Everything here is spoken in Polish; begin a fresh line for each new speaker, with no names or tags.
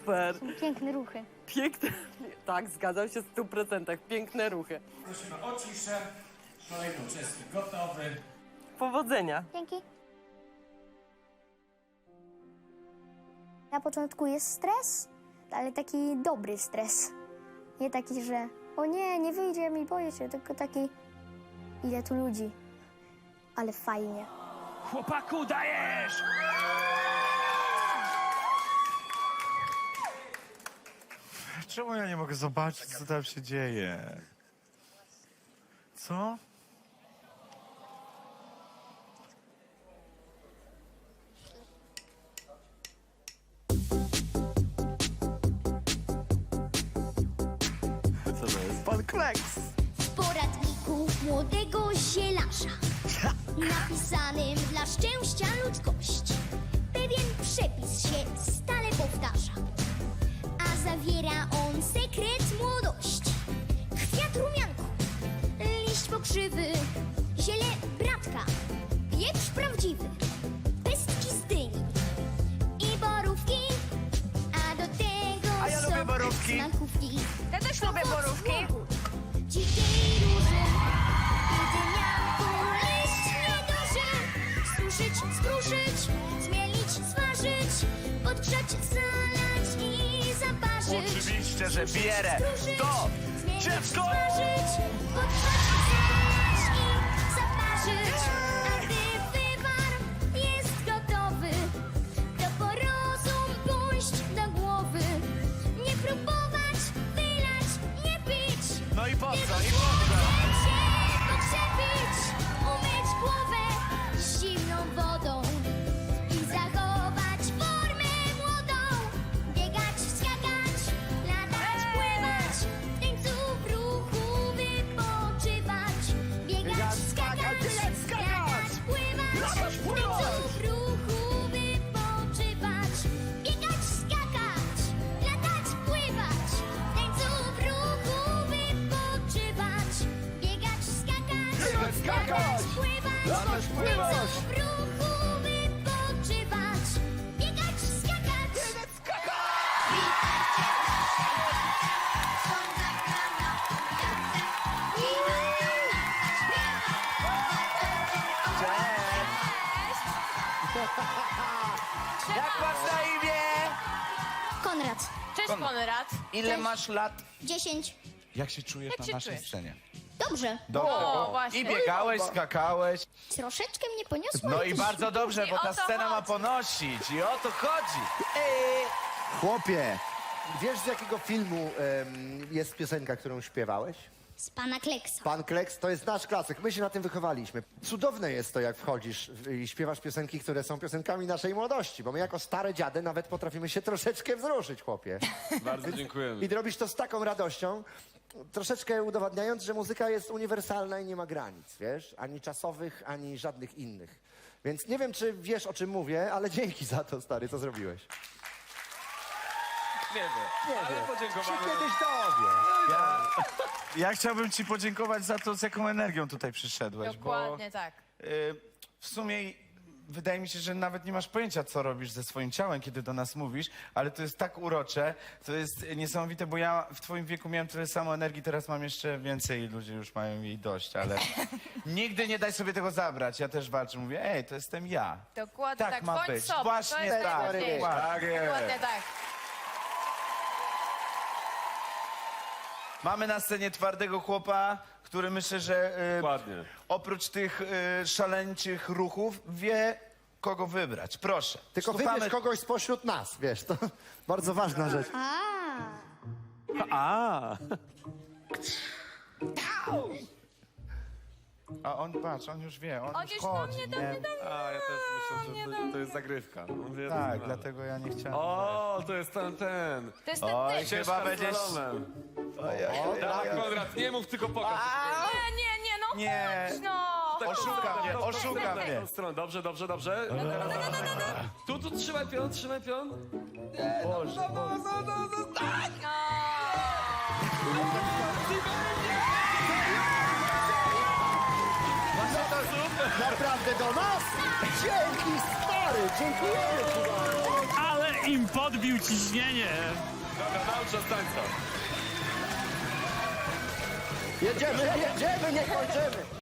Super.
Piękne ruchy.
Piękne. Tak, zgadzam się w 100%. Piękne ruchy.
Prosimy o ciszę. Kolejny uczestnik gotowy.
Powodzenia.
Dzięki. Na początku jest stres, ale taki dobry stres. Nie taki, że o nie, nie wyjdzie mi, boję się, tylko taki ile tu ludzi. Ale fajnie.
Chłopaku, dajesz!
Czemu ja nie mogę zobaczyć, co tam się dzieje? Co? Co to jest? Pan Kleks!
W poradniku młodego zielarza, napisanym dla szczęścia ludzkości, pewien przepis się stale powtarza, a zawiera on sekret młodości. Kwiat rumianku, liść pokrzywy, ziele bratka, pieprz prawdziwy, pestki z dyni i borówki, a do tego
A ja lubię borówki.
smakówki.
Ja też lubię borówki.
Dzikiej róży i dymianku liść nieduży. Suszyć, skruszyć, zmielić, smażyć, podgrzać, zalać i zaparzyć.
Oczywiście, że bierę.
Skruszyć,
To
zmielić,
dziecko!
smażyć, podgrzać, zalać i zaparzyć. A gdy wywar jest gotowy, to po rozum pójść do głowy. Nie próbować, wylać, nie pić.
No i po co? I po co?
Chcecie pokrzepić, umyć głowę zimną wodą i zachować formę młodą. Biegać, skakać, latać, pływać, w tańcu w ruchu wypoczywać. Biegać, skakać, latać, pływać, w tańcu w ruchu wypoczywać. Biegać, skakać, latać, pływać, w tańcu w ruchu wypoczywać. Biegać, skakać, latać, pływać,
Latać, pływać.
w tańcu w ruchu wypoczywać. Biegać, skakać.
Jak masz na imię?
Konrad,
Cześć, Konrad.
Ile masz lat?
10.
Jak się czujesz
Jak
na
się
naszej
czujesz?
scenie?
Dobrze.
Dobrze.
O, właśnie.
I biegałeś, skakałeś.
Troszeczkę mnie poniosło.
No i
jakieś-
bardzo dobrze, bo
I
ta
o to
scena ma
chodzi.
ponosić. I o to chodzi.
Chłopie, wiesz z jakiego filmu jest piosenka, którą śpiewałeś?
Z pana Kleksa.
Pan Kleks to jest nasz klasyk, my się na tym wychowaliśmy. Cudowne jest to, jak wchodzisz i śpiewasz piosenki, które są piosenkami naszej młodości, bo my jako stare dziady nawet potrafimy się troszeczkę wzruszyć, chłopie.
Bardzo dziękujemy.
I robisz to z taką radością, troszeczkę udowadniając, że muzyka jest uniwersalna i nie ma granic, wiesz? Ani czasowych, ani żadnych innych. Więc nie wiem, czy wiesz, o czym mówię, ale dzięki za to, stary, co zrobiłeś.
Nie wiem, ale
Się
podziękowamy.
kiedyś dowie.
Ja chciałbym ci podziękować za to, z jaką energią tutaj przyszedłeś,
Dokładnie tak.
bo w sumie wydaje mi się, że nawet nie masz pojęcia, co robisz ze swoim ciałem, kiedy do nas mówisz, ale to jest tak urocze, to jest niesamowite, bo ja w twoim wieku miałem tyle samo energii, teraz mam jeszcze więcej i ludzie już mają jej dość, ale nigdy nie daj sobie tego zabrać. Ja też walczę, mówię, ej, to jestem ja.
Dokładnie
Tak
tak.
ma
Bądź
być.
sobą.
Właśnie
to jest
tak.
najważniejsze.
Tak jest.
Dokładnie tak.
Mamy na scenie twardego chłopa, który myślę, że
Dokładnie.
oprócz tych szaleńczych ruchów wie, kogo wybrać. Proszę.
Tylko
Słuchamy-
wybierz kogoś spośród nas, wiesz, to bardzo ważna rzecz.
A on, patrz, on już wie, on
On
już
już
chodzi.
do mnie,
A, ja też myślę, że to jest zagrywka. Mówię,
Tak,
doskonale.
dlatego ja nie chciałem.
O, to jest ten.
To jest ten
Oj,
ty.
chyba
Ścieżka z
będziesz...
slalomem. Tak, Konrad, nie mów, tylko pokaż.
Nie, no
Nie.
chodź, no.
Tak,
Oszuka
tak,
mnie,
tak,
oszuka
tak,
mnie.
w tą stronę. Dobrze, dobrze, dobrze. Tu, trzymaj pion, trzymaj pion.
Naprawdę do nas? Dzięki, stary, dziękujemy ci bardzo.
Ale
im podbił ciśnienie.
Dobra, naucz nas tańca.
Jedziemy, nie kończymy!